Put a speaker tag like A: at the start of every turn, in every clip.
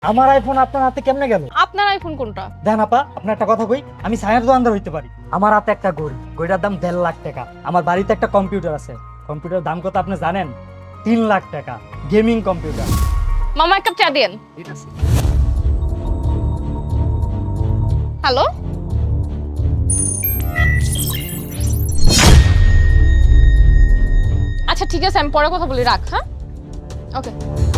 A: আমার আইফোন আপনার হাতে কেমনে গেল?
B: আপনার আইফোন কোনটা?
A: দেখেন আপা, আপনার একটা কথা কই, আমি ছায়ার দোকানদার হইতে পারি। আমার হাতে একটা ঘড়ি, ঘড়িটার দাম 1.5 লাখ টাকা। আমার বাড়িতে একটা কম্পিউটার আছে, কম্পিউটার দাম কত আপনি জানেন? 3 লাখ টাকা, গেমিং কম্পিউটার।
B: মামা এক কাপ চা দেন। হ্যালো, আচ্ছা ঠিক আছে, আমি পরে কথা বলি, রাখ। হ্যাঁ, ওকে।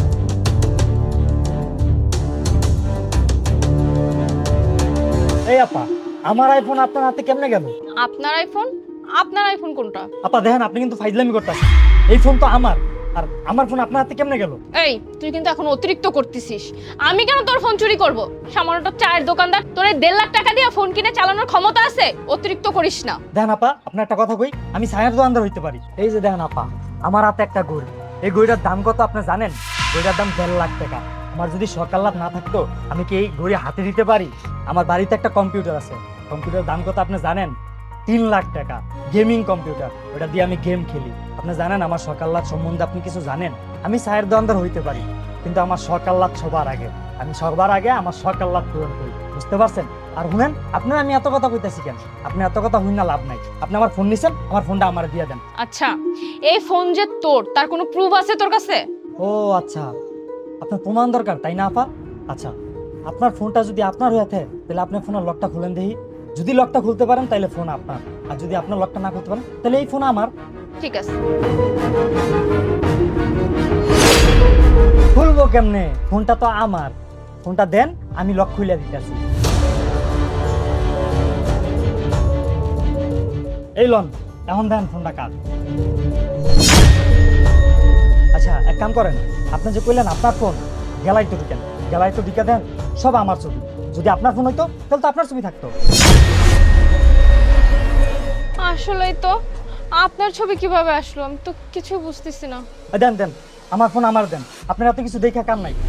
A: এই আপা, আমার আইফোন আপনার হাতে কেমনে গেল?
B: আপনার আইফোন? আপনার আইফোন কোনটা?
A: আপা দেখেন, আপনি কিন্তু ফাইজলামি করতেছেন। এই ফোন তো আমার, আর আমার ফোন আপনার হাতে কেমনে গেল?
B: এই, তুই কিন্তু এখন অতিরিক্ত করতেছিস। আমি কেন তোর ফোন চুরি করব? সামান্য চায়ের দোকানদার, তোর 1.5 লাখ টাকা দিয়ে ফোন কিনে চালানোর ক্ষমতা আছে? অতিরিক্ত করিস না।
A: দেখেন আপা, আপনার একটা কথা কই, আমি ছায়ার দোকানদার হইতে পারি। এই যে দেখেন আপা, আমার হাতে একটা ঘড়ি, এই ঘড়িটার দাম কত আপনি জানেন? ঘড়িটার দাম 1.5 লাখ টাকা। আমার যদি সকাল লাভ না থাকতো, আমি কি এই ঘড়ি হাতে দিতে পারি? আমার বাড়িতে একটা কম্পিউটার আছে, কম্পিউটার দাম কত আপনি জানেন? 3 লাখ টাকা, গেমিং কম্পিউটার। ওটা দিয়ে আমি গেম খেলি। আপনি জানেন আমার সকাল লাভ সম্বন্ধে আপনি কিছু জানেন? আমি ছায়ের দোকানদার হইতে পারি, কিন্তু আমার সকাল লাভ সবার আগে। আমি সবার আগে আমার সকাল লাভ পূরণ করি, বুঝতে পারছেন? আর শুনেন, আপনার আমি এত কথা কইতেছি কেন? আপনি এত কথা হই না লাভ নাই। আপনি আমার ফোন নিছেন, আমার ফোনটা আমার দিয়ে দেন।
B: আচ্ছা, এই ফোন যে তোর, তার কোনো প্রুফ আছে তোর কাছে?
A: ও আচ্ছা, আপনার প্রমাণ দরকার তাই না আপা? আচ্ছা, আপনার ফোনটা যদি আপনার হয়ে থাকে, তাহলে আপনি ফোনের লকটা খুলেন দেখি। যদি লকটা খুলতে পারেন তাহলে ফোন আপনার, আর যদি আপনার লকটা না খুলতে পারেন তাহলে এই ফোন আমার।
B: ঠিক আছে।
A: খুলবো কেমনে? ফোনটা তো আমার। ফোনটা দেন, আমি লক খুলে দিতেছি। এই লন, এখন দেন ফোনটা কার। আচ্ছা এক কাম করেন, আপনি যে কইলেন আপনার ফোন, গেলাই তো ঢুকেন, গেলাই তো ঢুকে দেন, সব আমার ছবি। যদি আপনার ফোন হইতো তাহলে তো আপনার ছবি থাকতো।
B: আসলেই তো, আপনার ছবি কিভাবে আসলো আমি তো কিছু বুঝতেছি না।
A: দেন দেন, আমার ফোন আমার দেন, আপনার এত কিছু দেখে কাম নাই।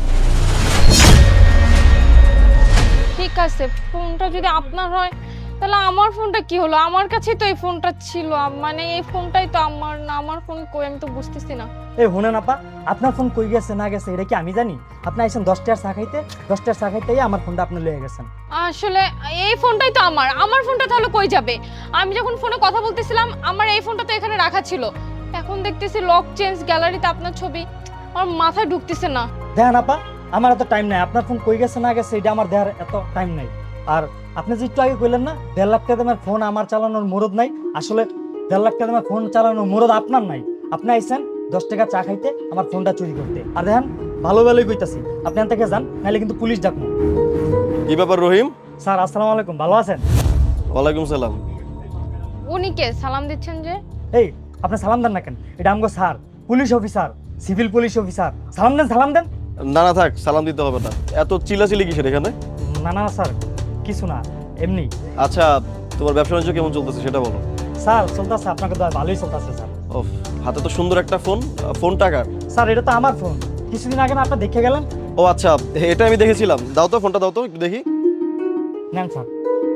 B: ঠিক আছে, ফোনটা যদি আপনার হয় তাহলে আমার ফোনটা কি হলো? আমার কাছেই তো এই ফোনটা ছিল, মানে এই ফোনটাই তো আমার না। আমার ফোন কই আমি তো বুঝতেছি না।
A: এই শুনেন আপা, আপনার ফোন কই গেছে না গেছে এটা কি আমি জানি? আপনি আইসেন 10 টাকার চা খাইতে, 10 টাকার চা খাইতেই আমার ফোনটা আপনি লয়ে গেছেন।
B: আসলে এই ফোনটাই তো আমার। আমার ফোনটা তাহলে কই যাবে? আমি যখন ফোনে কথা বলতেছিলাম আমার এই ফোনটা তো এখানে রাখা ছিল। এখন দেখতেছি লক চেঞ্জ, গ্যালারিতে আপনার ছবি। আমার মাথায় ঢুকতেছে না।
A: দেখেন আপা, আমার এত টাইম নাই। আপনার ফোন কই গেছে না গেছে এটা আমার দেখার এত টাইম নাই। আর আপনি যে একটু আগে কইলেন না 1.5 লাখ টাকা দামের ফোন আমার চালানোর মুরদ নাই, আসলে 1.5 লাখ টাকা দামের ফোন চালানোর মুরদ আপনার নাই। আপনি আইসেন 10 টাকা চা খাইতে, আমার ফোনটা চুরি করতে। আর দেখেন, ভালো ভালোই কইতাছি, আপনি এখান থেকে যান, নাহলে কিন্তু পুলিশ ডাকবো।
C: কি ব্যাপার রহিম?
A: স্যার আসসালামু আলাইকুম, ভালো আছেন?
C: ওয়ালাইকুম সালাম।
B: উনি কে সালাম দিচ্ছেন যে?
A: এই আপনি সালাম দেন না কেন? এটা আমগো sir, police officer, civil police officer. সালাম দেন, সালাম দেন।
C: না না থাক, সালাম দিতে হবে না। এত চিল্লাচিল্লি কিসের এখানে?
A: না না স্যার, কিছু না, এমনি।
C: আচ্ছা, তোমার ব্যবসা বাণিজ্য কেমন চলতেছে সেটা বলো।
A: স্যার চলতেছে, আপনাকে দয়া ভালোই চলতেছে স্যার।
C: ও, হাতে তো সুন্দর একটা ফোন। ফোন টাকার?
A: স্যার এটা তো আমার ফোন, কিছুদিন আগে না আপনি দেখে গেলেন।
C: ও আচ্ছা, এটা আমি দেখেছিলাম। দাও তো ফোনটা, দাও তো একটু দেখি।
A: নেন স্যার।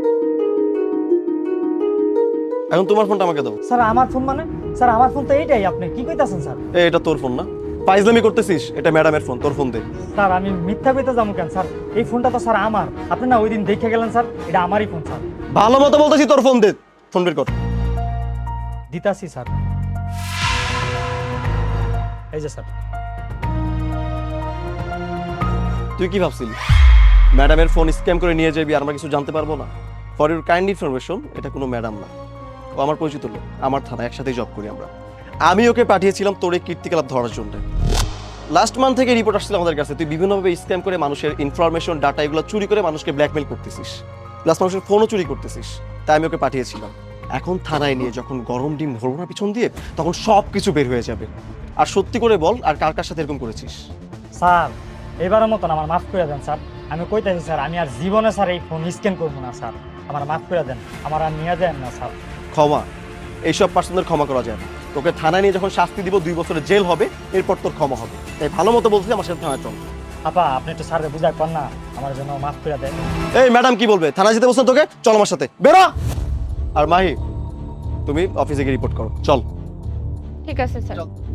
C: এখন তোমার ফোনটা আমাকে দাও।
A: স্যার আমার ফোন মানে? স্যার আমার ফোন তো এইটাই, আপনি কি কইতাছেন স্যার?
C: এটা তোর ফোন না? ফাইজলামি করতেছিস? এটা ম্যাডামের ফোন, তোর ফোন দে।
A: স্যার আমি মিথ্যা কইতে যাবো কেন স্যার? এই ফোনটা তো স্যার আমার। আপনি না ওই দিন দেখে গেলেন স্যার, এটা আমারই ফোন স্যার।
C: ভালো মতো বলতেছি, তোর ফোন দে। ফোন বের কর।
A: দিতাছি স্যার, এই যে স্যার।
C: তুই কি ভাবছিলি ম্যাডামের ফোন স্ক্যাম করে নিয়ে যাবি আর আমরা কিছু জানতে পারবো না? ফর ইউর কাইন্ড ইনফরমেশন, এটা কোনো ম্যাডাম না, ও আমার পরিচিত লোক। আমার থানা একসাথেই জব করি আমরা। আমি ওকে পাঠিয়েছিলাম তোর এই কীর্তিকলাপ ধরার জন্য। লাস্ট মান্থ থেকে রিপোর্ট আসছিল আমাদের কাছে, তুই বিভিন্নভাবে স্ক্যাম করে মানুষের ইনফরমেশন, ডাটা এগুলো চুরি করে মানুষকে ব্ল্যাকমেল করতেছিস, প্লাস মানুষের ফোনও চুরি করতেছিস। তাই আমি ওকে পাঠিয়েছিলাম। এখন থানায় নিয়ে যখন গরম ডিম ধরবো না পিছন দিয়ে, তখন সব কিছু বের হয়ে যাবে। আর সত্যি করে বল, আর কার কার সাথে এরকম করেছিস?
A: স্যার এবারের মতন আমার মাফ করে দেন স্যার। আমি কইতাছি স্যার, আমি আর জীবনে স্যার এই ফোন স্ক্যান করবো না স্যার। আমার মাফ করে দেন, আমার আর নিয়ে দেন না স্যার।
C: ক্ষমা? এইসব পার্সনদের ক্ষমা করা যায় না। তোকে থানায় নিয়ে যখন শাস্তি দিব, 2 বছরের জেল হবে, এরপর তোর ক্ষমা হবে। তাই ভালো মতো বলছি, আমার সাথে থানায় চল।
A: আপা আপনি একটু স্যারকে বুঝাই পান না, আমার জন্য মাফ করে দেন।
C: এই ম্যাডাম কি বলবে? থানায় যেতে বলছেন তোকে, চল আমার সাথে, বেরো। আর মাহি, তুমি অফিসে গিয়ে রিপোর্ট করো, চল।
B: ঠিক আছে স্যার।